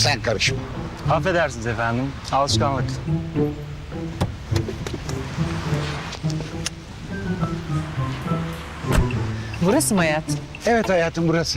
Sen karışma. Affedersiniz efendim. Alışkanlık. Burası mı hayat? Evet hayatım, burası.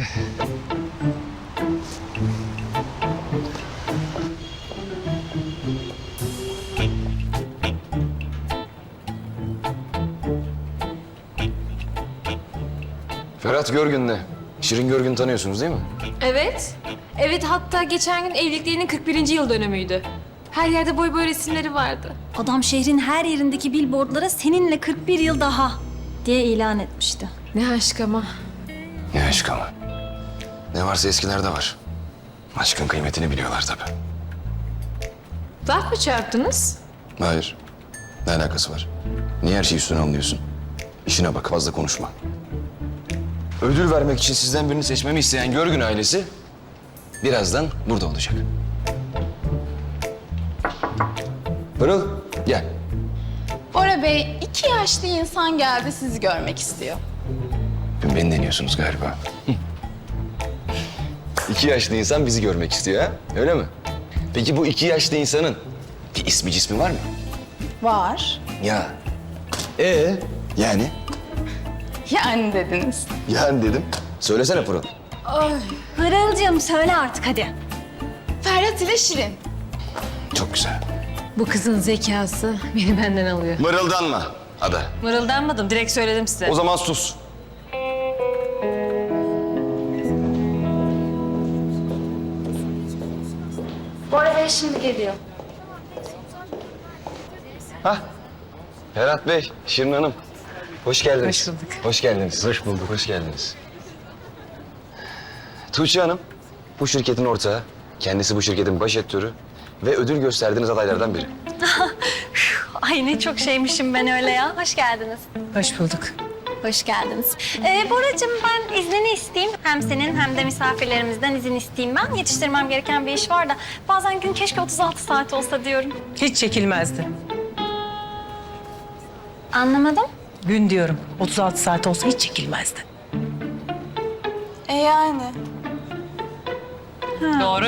Ferhat Görgün'le Şirin Görgün'ü tanıyorsunuz değil mi? Evet. Evet, hatta geçen gün evliliklerinin 41. yıl dönümüydü. Her yerde boy boy resimleri vardı. Adam şehrin her yerindeki billboardlara seninle 41 yıl daha diye ilan etmişti. Ne aşk ama. Ne aşk ama. Ne varsa eskilerde var. Aşkın kıymetini biliyorlar tabii. Laf mı çarptınız? Hayır. Ne alakası var? Niye her şeyi üstüne alıyorsun? İşine bak, fazla konuşma. Ödül vermek için sizden birini seçmemi isteyen Görgün ailesi birazdan burada olacak. Pırıl, gel. Bora Bey, 2 yaşlı insan geldi sizi görmek istiyor. Beni deniyorsunuz galiba. 2 yaşlı insan bizi görmek istiyor ha? Öyle mi? Peki bu 2 yaşlı insanın bir ismi cismi var mı? Var. Ya. Yani? Yani dediniz. Yani dedim. Söylesene Pırıl. Pırıl'cığım söyle artık hadi. Ferhat ile Şirin. Çok güzel. Bu kızın zekası beni benden alıyor. Mırıldanma Ada. Mırıldanmadım, direkt söyledim size. O zaman sus. Bora Bey şimdi geliyor. Ferhat Bey, Şirin Hanım. Hoş geldiniz. Hoş bulduk. Hoş geldiniz. Hoş bulduk. Hoş geldiniz. Tuğçe Hanım, bu şirketin ortağı. Kendisi bu şirketin baş etörü ve ödül gösterdiğiniz adaylardan biri. Ay ne çok şeymişim ben öyle ya. Hoş geldiniz. Hoş bulduk. Hoş geldiniz. Boracığım ben iznini isteyeyim. Hem senin hem de misafirlerimizden izin isteyeyim ben. Yetiştirmem gereken bir iş var da bazen gün keşke 36 saat olsa diyorum. Hiç çekilmezdi. Anlamadım. Gün diyorum. 36 saat olsa hiç çekilmezdi. Yani. Doğru.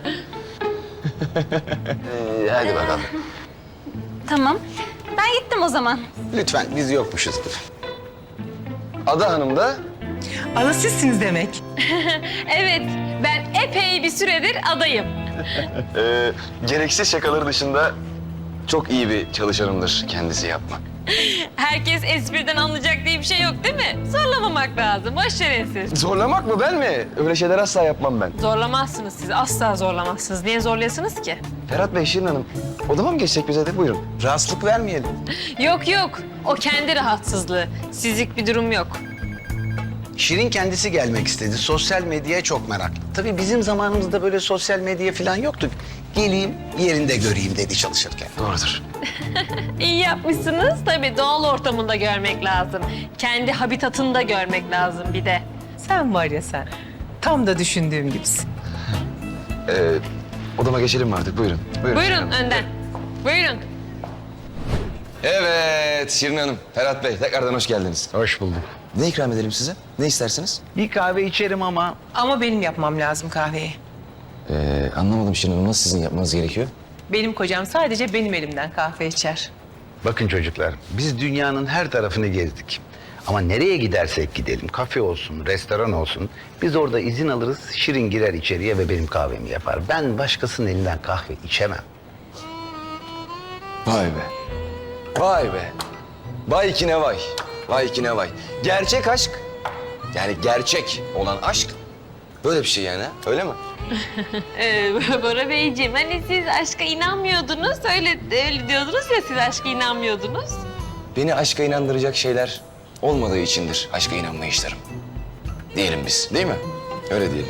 Hadi bakalım. Tamam. Ben gittim o zaman. Lütfen, biz yokmuşuzdur. Ada Hanım da Ana sizsiniz demek. Evet, ben epey bir süredir adayım. gereksiz şakaları dışında çok iyi bir çalışanımdır kendisi yapmak. Herkes espriden anlayacak diye bir şey yok değil mi? Zorlamamak lazım, boş verin siz. Zorlamak mı, ben mi? Öyle şeyler asla yapmam ben. Zorlamazsınız siz, asla zorlamazsınız. Niye zorlayasınız ki? Ferhat Bey, Şirin Hanım, odama mı geçsek bize de? Buyurun. Rahatsızlık vermeyelim. Yok yok, o kendi rahatsızlığı. Sizlik bir durum yok. Şirin kendisi gelmek istedi. Sosyal medyaya çok meraklı. Tabii bizim zamanımızda böyle sosyal medya falan yoktu. Geleyim, yerinde göreyim dedi çalışırken. Doğrudur. İyi yapmışsınız. Tabii doğal ortamında görmek lazım. Kendi habitatında görmek lazım bir de. Sen var ya sen. Tam da düşündüğüm gibisin. Odama geçelim mi artık? Buyurun. Buyurun, Şirin Buyurun Hanım. önden. Buyurun. Evet, Şirin Hanım, Ferhat Bey, tekrardan hoş geldiniz. Hoş bulduk. Ne ikram edelim size? Ne istersiniz? Bir kahve içerim ama Ama benim yapmam lazım kahveyi. Anlamadım Şirin Hanım, nasıl sizin yapmanız gerekiyor? Benim kocam sadece benim elimden kahve içer. Bakın çocuklar, biz dünyanın her tarafını gezdik. Ama nereye gidersek gidelim, kafe olsun, restoran olsun, biz orada izin alırız, Şirin girer içeriye ve benim kahvemi yapar. Ben başkasının elinden kahve içemem. Vay be. Vay be. Vay ki ne vay. Vay ki ne vay. Gerçek aşk, yani gerçek olan aşk böyle bir şey yani, ha? Öyle mi? Bora Beyciğim, hani siz aşka inanmıyordunuz. Öyle diyordunuz ya, siz aşka inanmıyordunuz. Beni aşka inandıracak şeyler olmadığı içindir aşka inanmayışlarım. Diyelim biz, değil mi? Öyle diyelim.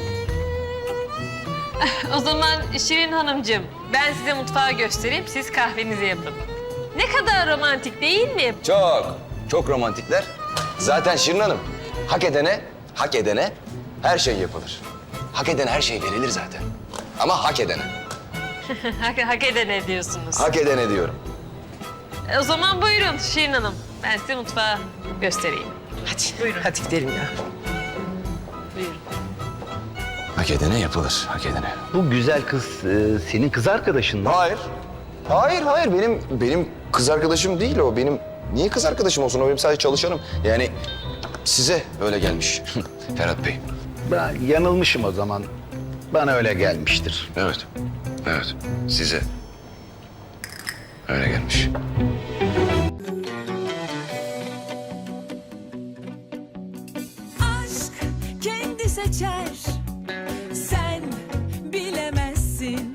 O zaman Şirin Hanımcığım, ben size mutfağı göstereyim, siz kahvenizi yapın. Ne kadar romantik değil mi? Çok, çok romantikler. Zaten Şirin Hanım, hak edene her şey yapılır. Hak edene her şey verilir zaten. Ama hak edene. Hak edene diyorsunuz. Hak edene diyorum. O zaman buyurun Şirin Hanım, ben size mutfağı göstereyim. Hadi buyurun. Hadi gidelim ya. Buyurun. Ay Hak edene yapılır, hak edene. Bu güzel kız senin kız arkadaşın mı? Hayır. Hayır. Benim kız arkadaşım değil o. Niye kız arkadaşım olsun? O benim sadece çalışanım. Yani size öyle gelmiş Ferhat Bey. Ben yanılmışım o zaman. Bana öyle gelmiştir. Evet. Size öyle gelmiş. Aşk kendi seçer